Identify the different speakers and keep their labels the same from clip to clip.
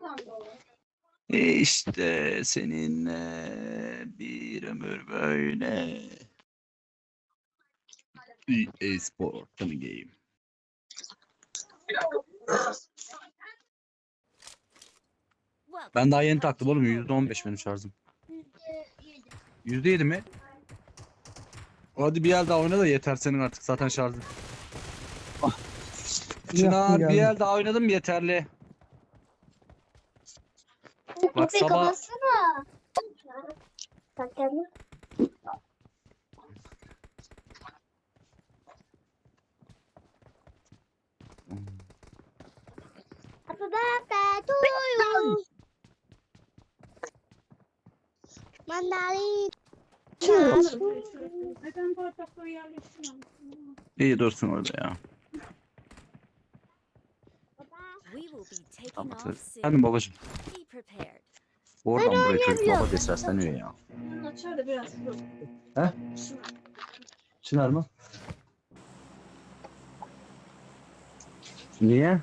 Speaker 1: İşte seninle bir ömür böyle. EA Sport Funny Game. Ben daha yeni taktım oğlum. %15 benim şarjım. %7 mi? Hadi bir el daha oyna da yeter senin artık zaten şarjın. Çınar bir el daha oynadım yeterli. Bak sabah...
Speaker 2: kapatsana. Bakalım. Happy birthday to you. Mandalina.
Speaker 3: Neden bardakları yerleştirmemişsin?
Speaker 1: İyi dursun orada ya. Tamam. Efendim babacığım. Oradan buraya çocuk baba diye sesleniyor ya.
Speaker 3: Açar da biraz.
Speaker 1: He? Çınar mı? Niye?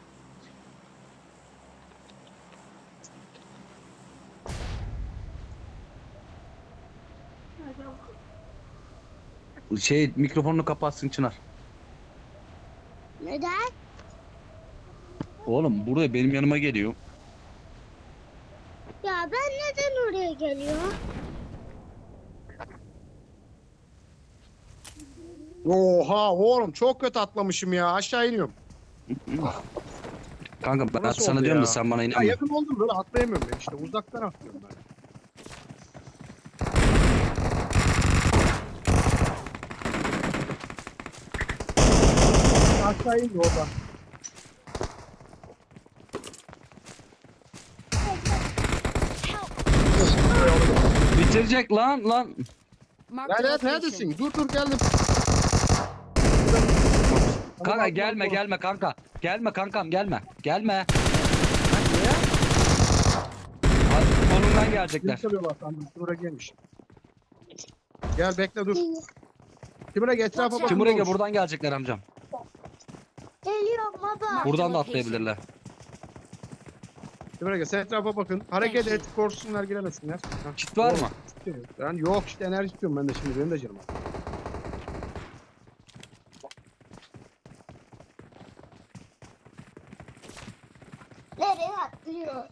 Speaker 1: Mikrofonunu kapatsın Çınar.
Speaker 2: Neden?
Speaker 1: Oğlum buraya benim yanıma geliyor.
Speaker 2: Ya ben neden oraya geliyorum?
Speaker 4: Oha oğlum çok kötü atlamışım ya. Aşağı iniyorum.
Speaker 1: Kanka ben
Speaker 4: Nasıl
Speaker 1: sana
Speaker 4: oldu
Speaker 1: diyorum
Speaker 4: ya?
Speaker 1: da sen bana
Speaker 4: Ya
Speaker 1: inanma.
Speaker 4: yakın oldum böyle atlayamıyorum ben işte. Uzaktan atlıyorum ben. Aşağı indi oradan.
Speaker 1: Bitirecek lan.
Speaker 4: Lanet neredesin? Dur geldim.
Speaker 1: Kanka gelme kanka. Gelme kankam gelme. Gelme. Hadi sonundan gelecekler.
Speaker 4: Kim çalıyorlar sandım. Timur'a gelmiş. Gel bekle dur. Timur'a etrafa bak.
Speaker 1: Timur Ege buradan gelecekler amcam.
Speaker 2: Geliyorum baba.
Speaker 1: Buradan da atlayabilirler.
Speaker 4: Timur'a sen etrafa bakın. Hareket et. Korksunlar giremesinler. Hah.
Speaker 1: Kit var mı?
Speaker 4: Ben yok işte enerji istiyorum ben de şimdi. Benim de canım.
Speaker 2: Nereye atlıyor?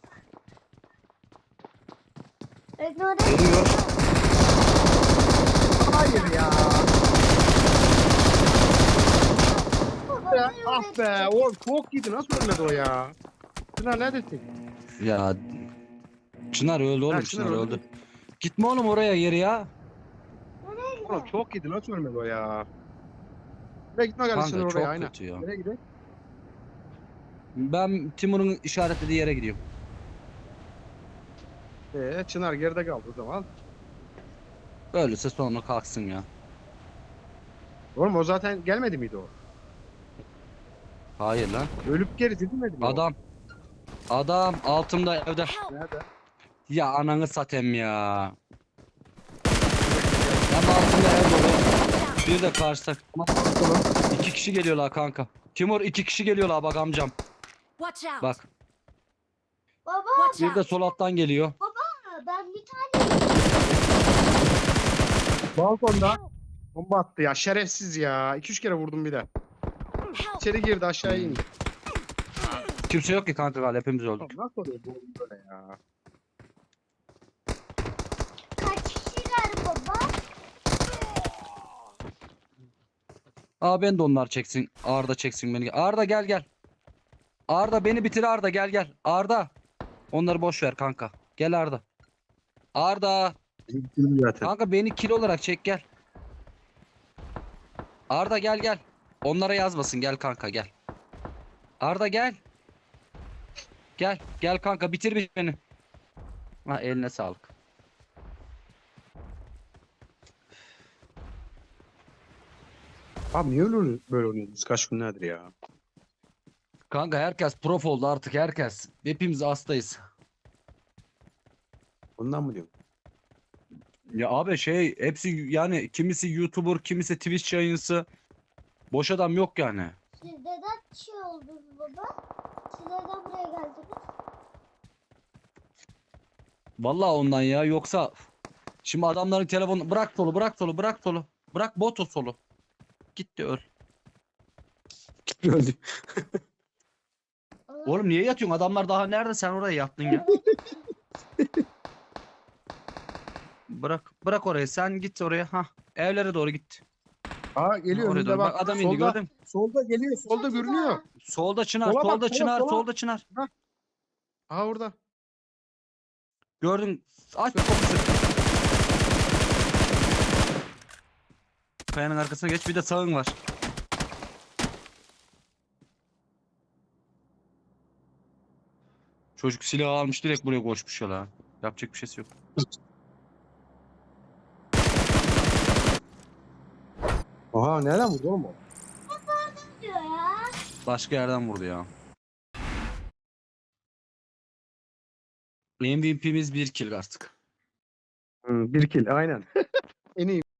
Speaker 2: Oraya
Speaker 1: Geliyor.
Speaker 4: Hayır ya.
Speaker 2: baba.
Speaker 4: Ya, ah be. Oğlum çok iyiydi. Nasıl ölmedi o ya? Çınar neredesin?
Speaker 1: Ya Çınar öldü oğlum
Speaker 4: Ha,
Speaker 1: Çınar
Speaker 4: Çınar
Speaker 1: öldü. Gitme oğlum oraya yeri ya.
Speaker 4: Oğlum çok iyiydi. Nasıl ölmedi o ya? Nereye gitme kardeşim
Speaker 1: Kanka
Speaker 4: oraya
Speaker 1: çok
Speaker 4: aynen.
Speaker 1: kötü ya.
Speaker 4: Nereye gidelim?
Speaker 1: Ben Timur'un işaretlediği yere gidiyorum.
Speaker 4: Çınar geride kaldı o zaman.
Speaker 1: Öyleyse sonra kalksın ya.
Speaker 4: Oğlum o zaten gelmedi miydi o?
Speaker 1: Hayır lan.
Speaker 4: Ölüp geri didilmedi mi o?
Speaker 1: Adam altımda evde.
Speaker 4: Nerede?
Speaker 1: Ya ananı satayım ya. Hem altımda ev dolu. Bir de karşıda. İki kişi geliyorlar kanka. Timur 2 kişi geliyorlar bak amcam. Bak.
Speaker 2: Baba
Speaker 1: Bir de sol alttan geliyor.
Speaker 2: ben bir tane
Speaker 4: Balkonda bomba attı ya şerefsiz ya. 2-3 kere vurdum bir de. İçeri girdi aşağı indi.
Speaker 1: Kimse yok ki kanka galiba hepimiz öldük.
Speaker 4: Oğlum nasıl oluyor bu oyun böyle ya?
Speaker 2: kaç kişiler baba?
Speaker 1: Aa ben de onlar çeksin. Arda çeksin beni. Arda gel. Arda beni bitir Arda gel. Arda. Onları boş ver kanka. Gel Arda. Arda.
Speaker 4: Bitirdim zaten.
Speaker 1: Kanka beni kill olarak çek gel. Arda gel. Onlara yazmasın gel kanka gel. Arda gel. Gel kanka bitir beni. Ha eline sağlık.
Speaker 4: Abi niye öyle böyle oynuyoruz kaç günlerdir ya?
Speaker 1: Kanka herkes prof oldu artık herkes. Hepimiz hastayız.
Speaker 4: Ondan mı diyorum?
Speaker 1: Ya abi hepsi yani kimisi YouTuber, kimisi Twitch yayıncısı. Boş adam yok yani.
Speaker 2: Siz neden şey oldunuz baba? Siz neden buraya geldiniz?
Speaker 1: Vallahi ondan ya. Yoksa şimdi adamların telefonu bırak solu, bırak solu, bırak solu. Bırak botu solu. Gitti öl. Gitti öldü. Oğlum niye yatıyorsun? Adamlar daha nerede? Sen oraya yattın ya. Bırak orayı. Sen git oraya. Ha. Evlere doğru git.
Speaker 4: Aa geliyor
Speaker 1: Oraya
Speaker 4: önünde
Speaker 1: doğru.
Speaker 4: bak.
Speaker 1: Bak adam indi
Speaker 4: Solda,
Speaker 1: gördün mü?
Speaker 4: solda geliyor. Solda görünüyor.
Speaker 1: Solda çınar,
Speaker 4: Sola bak,
Speaker 1: solda
Speaker 4: sola,
Speaker 1: çınar,
Speaker 4: sola.
Speaker 1: solda çınar.
Speaker 4: Aha orada.
Speaker 1: Gördün. Aç kapısı. Kayanın arkasına geç. Bir de sağın var. Çocuk silahı almış direkt buraya koşmuş ya la. Yapacak bir şeysi yok.
Speaker 4: Aha nereden vurdu oğlum o?
Speaker 2: diyor ya.
Speaker 1: Başka yerden vurdu ya. MVP'miz 1 kill artık.
Speaker 4: Bir kill aynen. En iyi